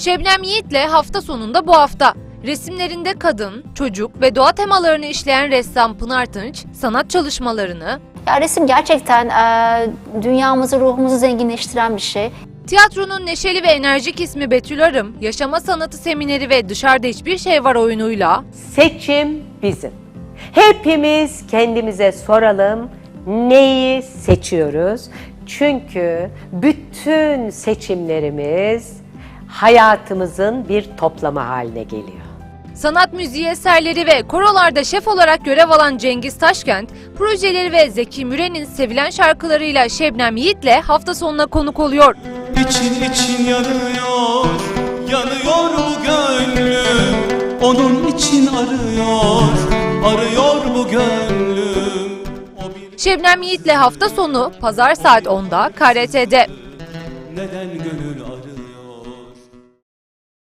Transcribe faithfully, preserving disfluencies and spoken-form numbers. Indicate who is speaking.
Speaker 1: Şebnem Yiğit'le hafta sonunda bu hafta. Resimlerinde kadın, çocuk ve doğa temalarını işleyen ressam Pınar Tınç, sanat çalışmalarını,
Speaker 2: Ya resim gerçekten e, dünyamızı, ruhumuzu zenginleştiren bir şey.
Speaker 1: tiyatronun neşeli ve enerjik ismi Betül Arım, yaşama sanatı semineri ve Dışarıda Hiçbir Şey Var oyunuyla
Speaker 3: Seçim bizim. Hepimiz kendimize soralım, neyi seçiyoruz? Çünkü bütün seçimlerimiz hayatımızın bir toplamı haline geliyor.
Speaker 1: sanat müziği eserleri ve korolarda şef olarak görev alan Cengiz Taşkent, projeleri ve Zeki Müren'in sevilen şarkılarıyla Şebnem Yiğit'le hafta sonuna konuk oluyor.
Speaker 4: İçin için yanıyor, yanıyor bu gönlüm. Onun için arıyor, arıyor bu gönlüm. O bir
Speaker 1: Şebnem Yiğit'le hafta sonu pazar saat onda K R T'de.
Speaker 4: neden gönül arıyor?